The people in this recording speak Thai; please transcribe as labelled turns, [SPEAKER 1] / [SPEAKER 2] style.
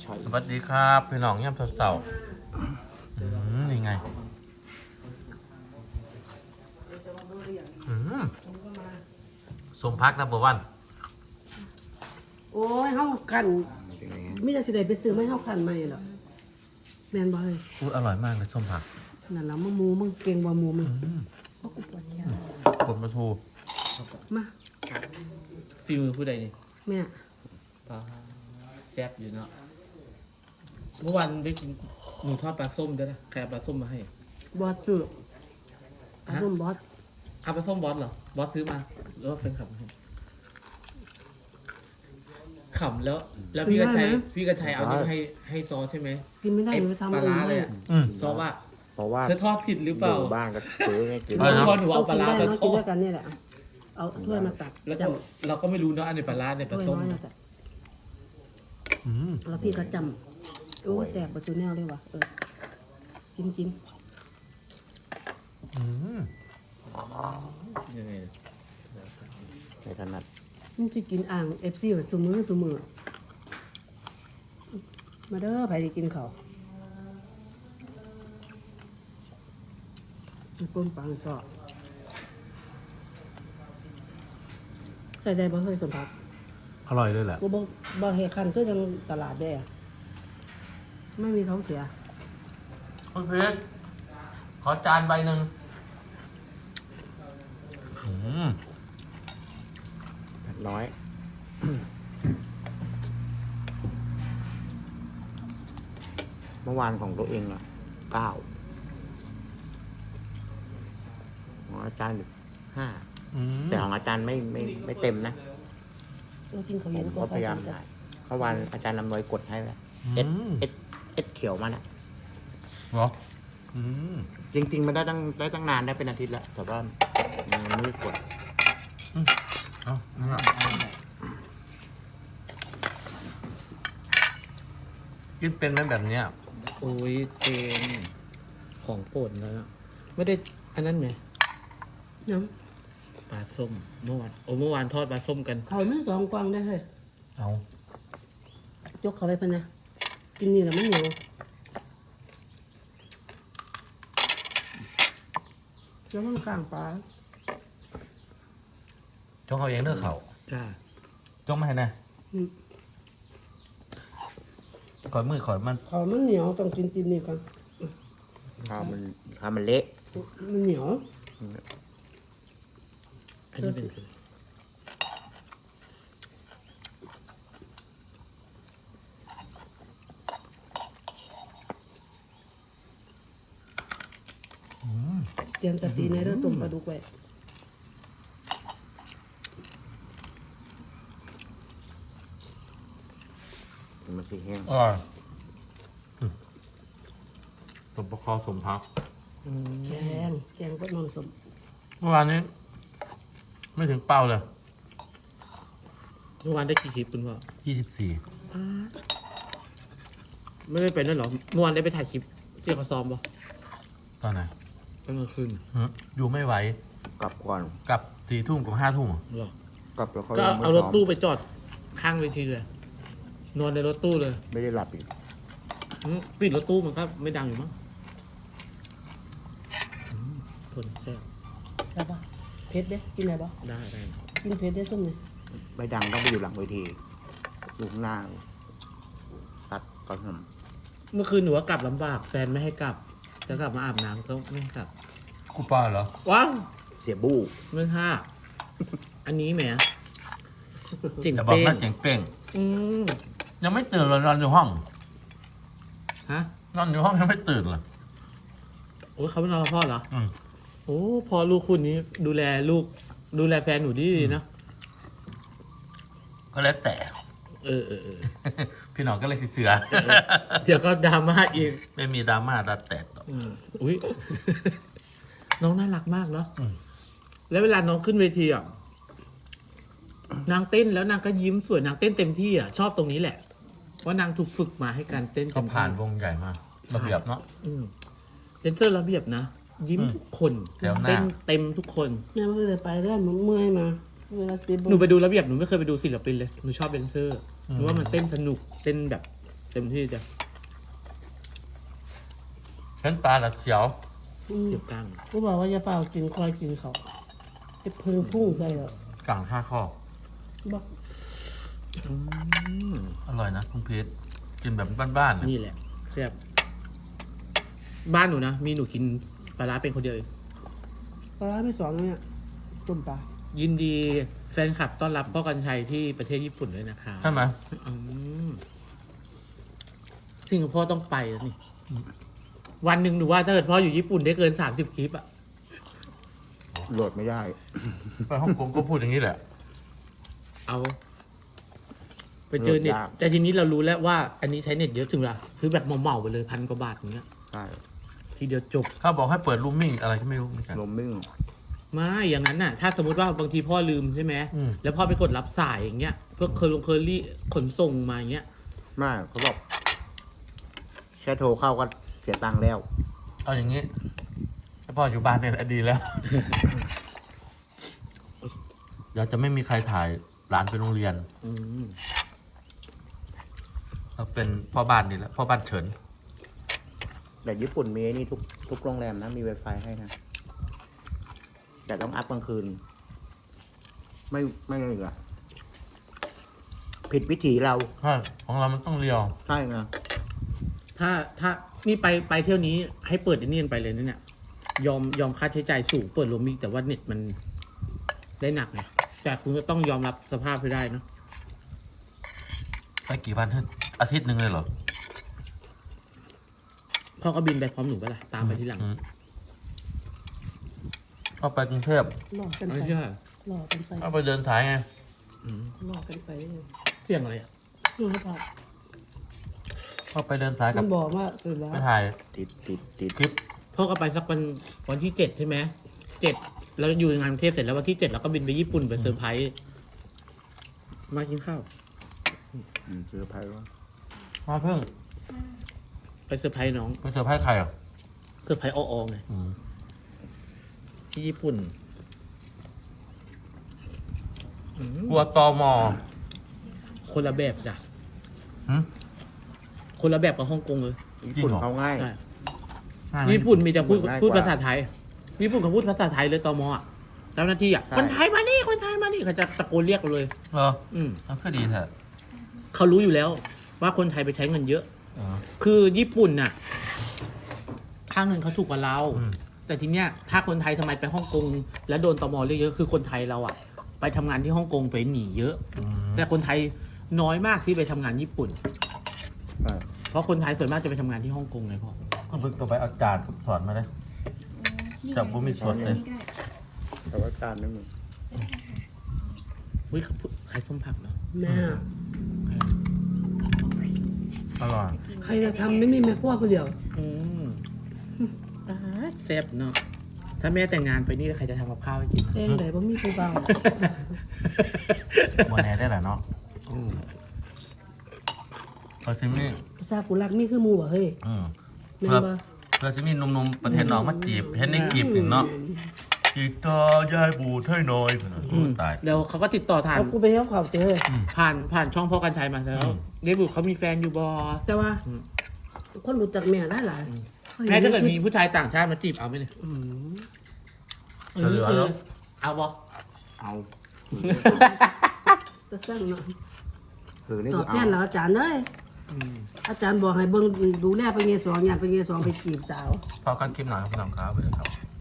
[SPEAKER 1] สวัสดีครับพี่น้องย่ำเสาๆนี่ไงสมพักนับเบอร์วัน
[SPEAKER 2] โอ้ยเฮาคันมีแต่สิได้ไปซื้อไม่เฮาคันใหม่หรอกแม่นบ่เฮ้ย
[SPEAKER 1] พูดอร่อยมากเลยส้มผัก
[SPEAKER 2] นั่นล่ะมึงเก่งบ่หมูมึงบ่กูปวดแขน
[SPEAKER 1] ผลปลาทู
[SPEAKER 2] มา
[SPEAKER 3] ฟิลมือผู้ใดนี่
[SPEAKER 2] แม่
[SPEAKER 3] ปลาแซ่บอยู่เนาะเมื่อวานได้กินหนูทอดปลาส้มด้วยนะใครเอาปลาส้มมาให้
[SPEAKER 2] บอสซื้อเอาร่มบอส
[SPEAKER 3] เอาปลาส้มบอสเหรอบอสซื้อมาหรือว่าแฟนคลับมาให้ขำแล้วพี่กระชัยเอานี่มาให้ซอสใช่ไหม
[SPEAKER 2] กินไม่ได้ไปทำ
[SPEAKER 3] ปลา
[SPEAKER 2] อื่
[SPEAKER 3] ร้าน เลย
[SPEAKER 2] เลย
[SPEAKER 3] อะซอสว่า
[SPEAKER 4] เพราะว่า
[SPEAKER 3] เธอทอดผิดหรือเป
[SPEAKER 4] อ
[SPEAKER 3] ล่า
[SPEAKER 4] ยู่บ้านก็ซื้อให้กิน
[SPEAKER 3] เมื่อวานหนูเอาปลาร้า
[SPEAKER 2] กิน
[SPEAKER 3] มา
[SPEAKER 2] ได้
[SPEAKER 3] ท
[SPEAKER 2] กิน
[SPEAKER 3] อ
[SPEAKER 2] ด้ว
[SPEAKER 3] ด
[SPEAKER 2] ยกันนี่แหละเอาถ้วยมาตัก
[SPEAKER 3] แล้ว
[SPEAKER 2] จ
[SPEAKER 3] ก็เราก็ไม่รู้เนาะอันไหนปลาร้าใน
[SPEAKER 2] ำ
[SPEAKER 3] ปลา
[SPEAKER 2] ถ้วย
[SPEAKER 3] ส้ม
[SPEAKER 2] น้อยนะแต่แล้วพี่ก็จำโอ้แสบประตูแนวเลยว่ะกิน
[SPEAKER 3] ยังไง
[SPEAKER 4] ในถนัด
[SPEAKER 2] มันสิกินอ่าง FC แบบซุมื้อมาเด้อไผสิกินข้าวปุ้มปังก็ใส่ได้บ่เคยสมผัก
[SPEAKER 1] อร่อยด้วยแหละ
[SPEAKER 2] กูบ่เฮ็ดคันคือจังตลาดได้อะไม่มีท้องเสีย
[SPEAKER 1] คุณเพชรขอจานใบหนึ่ง
[SPEAKER 4] ผัดน้อย เมื่อวานของตัวเอง9ของอาจารย์5แต่ของอาจารย์ไม่เต็มนะ
[SPEAKER 2] เรากินข้าว
[SPEAKER 4] ผ
[SPEAKER 2] เย็น
[SPEAKER 4] ม
[SPEAKER 2] ก็
[SPEAKER 4] ก็
[SPEAKER 2] ใส่
[SPEAKER 4] พยายาม
[SPEAKER 2] กัน
[SPEAKER 4] ถ่ายเมื่อวานอาจารย์นำนวยกดให้แล้วเอสเขียวมาน่ะ
[SPEAKER 1] เหรอ
[SPEAKER 4] จริงๆมันได้ตั้งนานได้เป็นอาทิตย์แล้วแต่ว่ามันไม่ได้กด
[SPEAKER 1] เอานี่ละกินเป็นไหมแบบเนี้ย
[SPEAKER 3] โอ้ยเจนของโปรดแล้วไม่ได้อันนั้นไหม
[SPEAKER 2] น้
[SPEAKER 3] ปลาส้มเมื่อวานทอดปลาส้มกัน
[SPEAKER 2] ำข้าวมัน2กวางได้เฮ้ย
[SPEAKER 1] เอา
[SPEAKER 2] ยกเข้าไปเพิ่นนะกินนี่แล้วมันเหนียวแล้วมันข้างปลา
[SPEAKER 1] จงเขาเองเด้อเขา
[SPEAKER 3] จ้า
[SPEAKER 1] จงมาให้แน่
[SPEAKER 2] อืม
[SPEAKER 1] ขอยมือขอยมัน
[SPEAKER 2] ข้าวมันเหนียวต้องกินนี่ก่อน
[SPEAKER 4] ข้าวมันเละ
[SPEAKER 2] มันเหนียว
[SPEAKER 3] อันนี้เป็น
[SPEAKER 2] เตรียมสติในเรื่องต้มปลาดุกไว้
[SPEAKER 4] มันสีแห้ง
[SPEAKER 1] อร่อยสมประคอสมพัก
[SPEAKER 2] แกงก็นอนสม
[SPEAKER 1] เมื่อวานนี้ ไม่ถึงเป้าเลย
[SPEAKER 3] เมื่อวานได้กี่คลิปคุณพ่อ
[SPEAKER 1] 24
[SPEAKER 3] ไม่ได้ไปนั่นหรอเมื่อวานได้ไปถ่ายคลิปที่เขาซ้อมป่ะ
[SPEAKER 1] ตอนไหน
[SPEAKER 3] ตอนกลางคืน
[SPEAKER 1] อยู่ไม่ไหว
[SPEAKER 4] กลับก่อน
[SPEAKER 1] กลับ4 ทุ่มกับ5 ทุ่ม
[SPEAKER 3] หรอก
[SPEAKER 4] ลับแล้วเขา
[SPEAKER 3] ก็
[SPEAKER 4] ยังไม่
[SPEAKER 3] เอารถ
[SPEAKER 4] ซ้ม
[SPEAKER 3] ตู้ไปจอดข้างเวทีเลย นอนในรถตู้เลย
[SPEAKER 4] ไม่ได้หลับอีก
[SPEAKER 3] ปิดรถตู้มันก็ไม่ดังอยู่มั้งทนแซ่บ
[SPEAKER 2] ใช่ปะเผ็ดเด้กินอะไรปะ
[SPEAKER 3] ได้
[SPEAKER 2] กินเผ็ดได้ต้มเลย
[SPEAKER 4] ไม่ดังต้องไปอยู่หลังเวทีอยู่ข้างหน้าตัดก่อนท
[SPEAKER 3] เมื่อคืนหนูว่ากลับลำบาก แฟนไม่ให้กลับ จะกลับมาอาบน้ำก็ไม่ให้กลับ
[SPEAKER 1] กูป้าเหรอ
[SPEAKER 3] ว้าว
[SPEAKER 4] ำเสียบู้
[SPEAKER 3] ไม่ห้าอันนี้แหมเจิง
[SPEAKER 1] อย่าบอก
[SPEAKER 3] เป้ง
[SPEAKER 1] น่าเจ๋งเป้ง
[SPEAKER 3] อืม
[SPEAKER 1] ยังไม่ตื่นเลยนอนอยู่ห้อง
[SPEAKER 3] ฮะ
[SPEAKER 1] นอนอยู่ห้องยังไม่ตื่นเลย
[SPEAKER 3] โอ้ยเขาไม่นอนกับพ่อเหรอ
[SPEAKER 1] อืม
[SPEAKER 3] โอ้พอลูกคุณนี้ดูแลลูก ดูแลแฟนหนูดีๆนะ
[SPEAKER 1] ก็แล้วแต่
[SPEAKER 3] เออ
[SPEAKER 1] พี่หน้องก็เลยสิเสือ
[SPEAKER 3] เดี๋ยวก็ดราม่าอีก
[SPEAKER 1] ไม่มีดราม่าดราแตกหรอก
[SPEAKER 3] อุ้ย น้องน่ารักมากเนาะ
[SPEAKER 1] อืม
[SPEAKER 3] แล้วเวลาน้องขึ้นเวทีอ่ะ นางเต้นแล้วนางก็ยิ้มสวยนางเต้นเต็มที่อ่ะ ชอบตรงนี้แหละ เพราะนางถูกฝึกมาให้การเต้น
[SPEAKER 1] ก็
[SPEAKER 3] เต็มที่
[SPEAKER 1] ผ่านวงใหญ่มาระเบียบเนาะ
[SPEAKER 3] เดนเซอร์ระเบียบนะ ยิ้มทุกคน
[SPEAKER 1] แถวหน้า
[SPEAKER 3] เต้นเต็มทุกคน
[SPEAKER 2] แม่ไม่เลยไปได้มันเมื่อยมาเวลาสปีด
[SPEAKER 3] หนูไปดูระเบียบหนูไม่เคยไปดูศิลปินเลย หนูชอบเดนเซอร์หนูว่ามันเต้นสนุก เต้นแบบเต็มที่จ้ะ
[SPEAKER 1] เห็นปลาละเสียว
[SPEAKER 3] เก็บตังค์
[SPEAKER 2] กูบอกว่าจะเฝ้ากินคอยกินเขาไอ้เพิ่งพุ่งใส่เหรอก
[SPEAKER 1] ลางท่าข้อ
[SPEAKER 2] บอก
[SPEAKER 1] อร่อยนะคุณพีทกินแบบบ้านๆเนี่ย
[SPEAKER 3] นี่แหละแซ่บบ้านหนูนะมีหนูกินปลาร้าเป็นคนเดียวเอง
[SPEAKER 2] ปลาร้าไม่สองเนี่ยต้มปลา
[SPEAKER 3] ยินดีแฟนคลับต้อนรับพ่อกันชัยที่ประเทศญี่ปุ่นด้วยนะคะ
[SPEAKER 1] ใช่ไหม
[SPEAKER 3] สิงคโปร์ต้องไปแล้วนี่ วันหนึ่งหนูว่าถ้าเกิดพ่ออยู่ญี่ปุ่นได้เกิน30 คลิปอะ
[SPEAKER 4] โหลดไม่ได้
[SPEAKER 1] ไปฮ่องกงก็พูดอย่างนี้แหละ
[SPEAKER 3] เอา ไปเจอเน็ต
[SPEAKER 4] โหลดยาก
[SPEAKER 3] แต่ทีนี้เรารู้แล้วว่า อันนี้ใช้เน็ตเยอะถึงละซื้อแบบเหมาๆไปเลย1,000 กว่าบาทอย่างเงี้ย
[SPEAKER 4] ใช่
[SPEAKER 3] ทีเดียวจบ
[SPEAKER 1] เขาบอกให้เปิดรูมมิ่งอะไรก็ไม่รู้เหมือนกัน
[SPEAKER 4] ลมมิ่ง
[SPEAKER 3] ไม่อย่างนั้นน่ะ ถ้าสมมติว่าบางทีพ่อลืมใช่ไหม
[SPEAKER 1] อืม
[SPEAKER 3] แล้วพ่อไปกดรับสายอย่างเงี้ยเพื่อเคอรี่ขนส่งมาอย่างเงี้ย
[SPEAKER 4] ไม่เขาบอกแค่โทรเข้าก็เสียตังค์แล้ว
[SPEAKER 1] เอาอย่างนี้ถ้าพ่ออยู่บ้านเนี่ยแหละดีแล้ว เดี๋ยวจะไม่มีใครถ่ายหลานไปโรงเรียน
[SPEAKER 3] อืม
[SPEAKER 1] เราเป็นพ่อบ้านนี่แหละพ่อบ้านเฉิน
[SPEAKER 4] แต่ญี่ปุ่นมีไอ้นี่ทุกโรงแรมนะมี Wi-Fi ให้นะ แต่ต้องอัพกลางคืน ไม่เหลือผิดวิถีเรา
[SPEAKER 1] ใช่ของเรามันต้องเรียว
[SPEAKER 4] ใช่ไง
[SPEAKER 3] ถ้านี่ไปเที่ยวนี้ให้เปิดไอ้นี่กันไปเลยนะเนี่ยยอมค่าใช้จ่ายสูงเปิดโรมมิ่งแต่ว่าเน็ตมันได้หนักไงแต่คุณก็ต้องยอมรับสภาพให้ได้เนอะ
[SPEAKER 1] ไปกี่วันอาทิตย์หนึ่งเลยเหรอ
[SPEAKER 3] พ่อก็บินไปพร้อมหนูไปละตามไปที่หลัง
[SPEAKER 1] เอาไปกรุงเทพ
[SPEAKER 2] หลอกกัน
[SPEAKER 3] ไม่
[SPEAKER 2] ไป
[SPEAKER 3] ใช่
[SPEAKER 2] หลอกกันไป
[SPEAKER 1] เอาไปเดินสายไง
[SPEAKER 2] หลอกกันไป
[SPEAKER 3] เสี่ยงอะไรอ่ะ
[SPEAKER 2] นี่ครับ
[SPEAKER 1] เอาไปเดินสายกั
[SPEAKER 2] มั
[SPEAKER 1] บ
[SPEAKER 2] นบอกว่าสุดแล้ว
[SPEAKER 1] ไปถ่าย
[SPEAKER 4] ติด
[SPEAKER 1] คลิป
[SPEAKER 3] พ่อก็ไปสักวันที่7ใช่ไหม7แล้วอยู่งานกรุงเทพเสร็จแล้ววันที่7เราก็บินไปญี่ปุ่นไปเซอร์ไพรส์มากินข้าว
[SPEAKER 4] ซื้อไพ่ว่า
[SPEAKER 1] มาเพิ่ง
[SPEAKER 3] ไปเซอร์ไพรส์น้อง
[SPEAKER 1] ไปเซอร์ไพรส์ใครอ่ะ
[SPEAKER 3] เซอร์ไพรส์ออไงที่ญี่ปุ่น
[SPEAKER 1] กลัวตอมอ
[SPEAKER 3] คนละแบบจ้ะ
[SPEAKER 1] หึ
[SPEAKER 3] คนละแบบกับฮ่องกงเลย
[SPEAKER 4] ญี่ปุ่นเขาง่าย
[SPEAKER 3] ใช่
[SPEAKER 1] ใช่
[SPEAKER 3] ญี่ปุ่นมีแต่พูด
[SPEAKER 4] ง่ายกว่า
[SPEAKER 3] พูดภาษาไทยญี่ปุ่นเขาพูดภาษาไทยเลยตมอ่ะเจ้าหน้าที่อ่ะ
[SPEAKER 4] ใช่
[SPEAKER 3] คนไทยมานี่คนไทยมานี่เขาจะตะโกนเรียกเราเลย
[SPEAKER 1] เหรอ
[SPEAKER 3] อืม
[SPEAKER 1] มันก็ดีเถอะ
[SPEAKER 3] เขารู้อยู่แล้ว ว่าคนไทยไปใช้เงินเยอะ
[SPEAKER 1] อ๋อ
[SPEAKER 3] คือญี่ปุ่นน่ะค่าเงินเขาถูกกว่าเรา
[SPEAKER 1] อืม
[SPEAKER 3] แต่ทีเนี้ยถ้าคนไทยทำไมไปฮ่องกงแล้วโดนตมเรียกเยอะคือคนไทยเราอ่ะ ไปทำงานที่ฮ่องกงไปหนีเยอะ
[SPEAKER 1] อืม
[SPEAKER 3] แต่คนไทยน้อยมากที่ไปทำงานญี่ปุ่น
[SPEAKER 4] ใช่
[SPEAKER 3] เพราะคนไทยส่วนมากจะไปทำงานที่ฮ่องกงไงพ่อ
[SPEAKER 1] ก็เพิ่งตัวไปเอาจารย์สอนมาเลย จับบุ้มีสดเลย
[SPEAKER 4] แต่ว่าการไม่มี
[SPEAKER 3] เฮ้ยใครส้มผักเนาะ
[SPEAKER 2] แม่
[SPEAKER 1] อร่อย
[SPEAKER 2] ใครจะทำไม่มีแม่ครัวคนเดียว
[SPEAKER 3] อืมอ่าแซ่บเนาะถ้าแม่แต่งงานไปนี่ใครจะทำกับข้าวให้กิน
[SPEAKER 2] เองไหนบ่มีผู้เบา
[SPEAKER 1] วันแน่ได้แหละเนาะพอซิมี่
[SPEAKER 2] ภาษากุลักมีคือหมู่บ่เฮ้ย
[SPEAKER 1] อืม
[SPEAKER 2] แม่น
[SPEAKER 1] เพื่อ
[SPEAKER 2] บ่
[SPEAKER 1] เพื่อซิมี่หนุ่มๆประเทศน้องมาจีบเห็นในคลิปถึงเนาะจีบต่อยายบูดให้หน่อยโอ้ตาย
[SPEAKER 3] เดี๋ยวเขาก็ติดต่อทาน
[SPEAKER 2] เอากูไปเที่ยวเขาเจอ
[SPEAKER 3] ผ่านช่องพ่อกันชัยมาแล้วเดบุเขามีแฟนอยู่บอ
[SPEAKER 2] แต่ว่าคนรู้จักแม่หลายๆ
[SPEAKER 3] แม่ถ้าเกิดมีผู้ชายต่างชาติมาจีบเอาไหมเนี่ย
[SPEAKER 2] อืม
[SPEAKER 1] จะเหลือแล้ว
[SPEAKER 3] เอาบอ
[SPEAKER 4] เอา
[SPEAKER 2] จะสร้างเนาะ
[SPEAKER 4] คือนี่
[SPEAKER 2] ตอ
[SPEAKER 4] คื
[SPEAKER 2] บ
[SPEAKER 4] อ
[SPEAKER 2] แท
[SPEAKER 4] เอา
[SPEAKER 2] นแล้วอาจารย์เอ้ยอาจารย์บอกให้เบิ่งดูแลไปเงยสองอย่างไปเงยสองไปจีบสาว
[SPEAKER 1] พอกันคลิปหน่อยครับพี่น้องครับไปเลยครับ